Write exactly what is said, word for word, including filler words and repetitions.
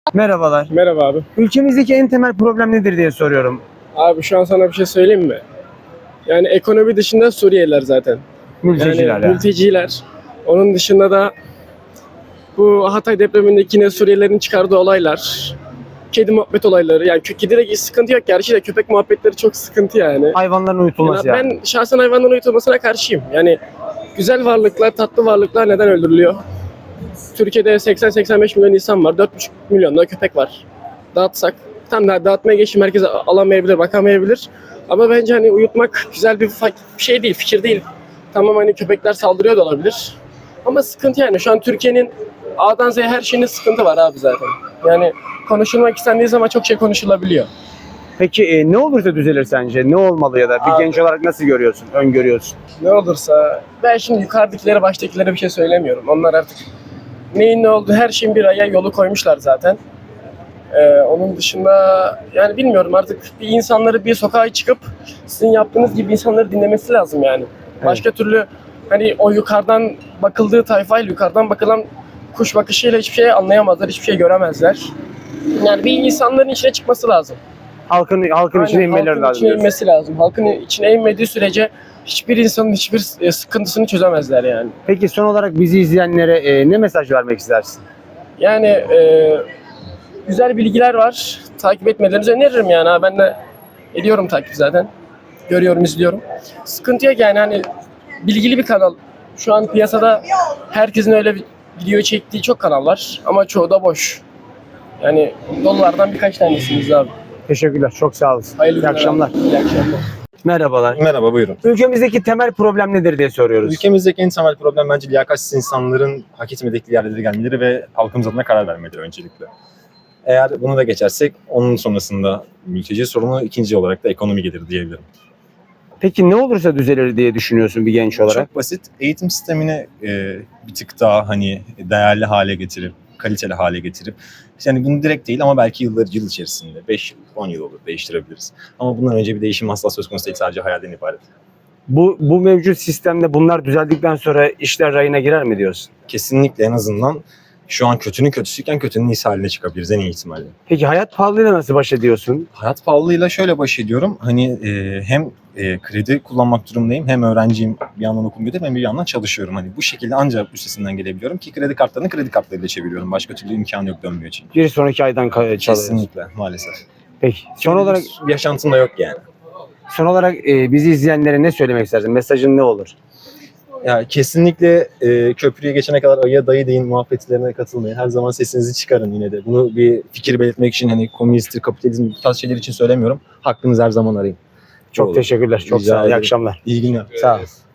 Merhabalar. Merhaba abi. Ülkemizdeki en temel problem nedir diye soruyorum. Abi şu an sana bir şey söyleyeyim mi? Yani ekonomi dışında Suriyeliler zaten. Mülteciler yani yani. mülteciler. Onun dışında da bu Hatay depremindeki yine Suriyelilerin çıkardığı olaylar. Kedi muhabbet olayları. Yani kö- kedide sıkıntı yok gerçi de köpek muhabbetleri çok sıkıntı yani. Hayvanların uyutulması Yani yani. ben şahsen hayvanların uyutulmasına karşıyım. Yani güzel varlıklar, tatlı varlıklar neden öldürülüyor? Türkiye'de seksen seksen beş milyon insan var. dört buçuk milyon da köpek var. Dağıtsak. Tam da dağıtmaya geçtim. Herkes alamayabilir, bakamayabilir. Ama bence hani uyutmak güzel bir fa- bir şey değil, fikir değil. Tamam hani köpekler saldırıyor da olabilir. Ama sıkıntı yani. Şu an Türkiye'nin A'dan Z'ye her şeyinde sıkıntı var abi zaten. Yani konuşulmak istendiği zaman çok şey konuşulabiliyor. Peki e, ne olursa düzelir sence? Ne olmalı ya da bir Abi. genç olarak nasıl görüyorsun, öngörüyorsun? Ne olursa ben şimdi yukarıdakilere baştakilere bir şey söylemiyorum. Onlar artık neyin ne olduğu her şeyin bir aya yolu koymuşlar zaten. Ee, onun dışında yani bilmiyorum artık bir insanları bir sokağa çıkıp sizin yaptığınız gibi insanları dinlemesi lazım yani. Başka türlü hani o yukarıdan bakıldığı tayfayla yukarıdan bakılan kuş bakışıyla hiçbir şey anlayamazlar, hiçbir şey göremezler. Yani bir insanların içine çıkması lazım. Halkın halkın içine Aynen, inmeleri halkın lazım. içine diyorsun. inmesi lazım. Halkın içine inmediği sürece hiçbir insanın hiçbir e, sıkıntısını çözemezler yani. Peki son olarak bizi izleyenlere e, ne mesaj vermek istersin? Yani e, güzel bilgiler var. Takip etmelerinizi öneririm yani. Ha, ben de ediyorum takip zaten. Görüyorum, izliyorum. Sıkıntı yok yani hani bilgili bir kanal. Şu an piyasada herkesin öyle bir video çektiği çok kanal var. Ama çoğu da boş. Yani dolulardan birkaç tanesiniz abi. Teşekkürler, çok sağ olasın. Hayırlı İyi günler akşamlar. abi. İyi akşamlar. Merhabalar. Merhaba, buyurun. Ülkemizdeki temel problem nedir diye soruyoruz. Ülkemizdeki en temel problem bence liyakatsiz insanların hak etmedikleri yerlere gelmeleri ve halkımız adına karar vermeleri öncelikle. Eğer bunu da geçersek onun sonrasında mülteci sorunu, ikinci olarak da ekonomi gelir diyebilirim. Peki ne olursa düzelir diye düşünüyorsun bir genç olarak? Çok basit. Eğitim sistemini e, bir tık daha hani değerli hale getirip, kaliteli hale getirip, yani bunu direkt değil ama belki yıllar yıl içerisinde beş yıl, on yıl olur değiştirebiliriz. Ama bundan önce bir değişim asla söz konusu değil, sadece hayalden ibaret. Bu bu mevcut sistemde bunlar düzeldikten sonra işler rayına girer mi diyorsun? Kesinlikle, en azından şu an kötünün kötüsüyken kötünün iyisi haline çıkabiliriz en iyi ihtimalle. Peki hayat pahalılığıyla nasıl baş ediyorsun? Hayat pahalılığıyla şöyle baş ediyorum. Hani e, hem e, kredi kullanmak durumundayım, hem öğrenciyim, bir yandan okul gidiyorum, hem bir yandan çalışıyorum. Hani bu şekilde ancak üstesinden gelebiliyorum ki kredi kartlarını kredi kartlarıyla çeviriyorum. Başka türlü imkanı yok dönmüyor için. Bir sonraki aydan ka- çalıyorsun. Kesinlikle, maalesef. Peki. Son olarak bir yaşantım da yok yani. son olarak e, bizi izleyenlere ne söylemek istersin? Mesajın ne olur? Ya kesinlikle e, köprüye geçene kadar ayıya dayı deyin muhabbetlerine katılmayın. Her zaman sesinizi çıkarın yine de. Bunu bir fikir belirtmek için, hani komünisttir, kapitalizm, bu tarz şeyler için söylemiyorum. Hakkınızı her zaman arayın. Çok Olur. teşekkürler. Çok Rica sağ ol. İyi ederim. akşamlar. İyi günler. Sağ ol.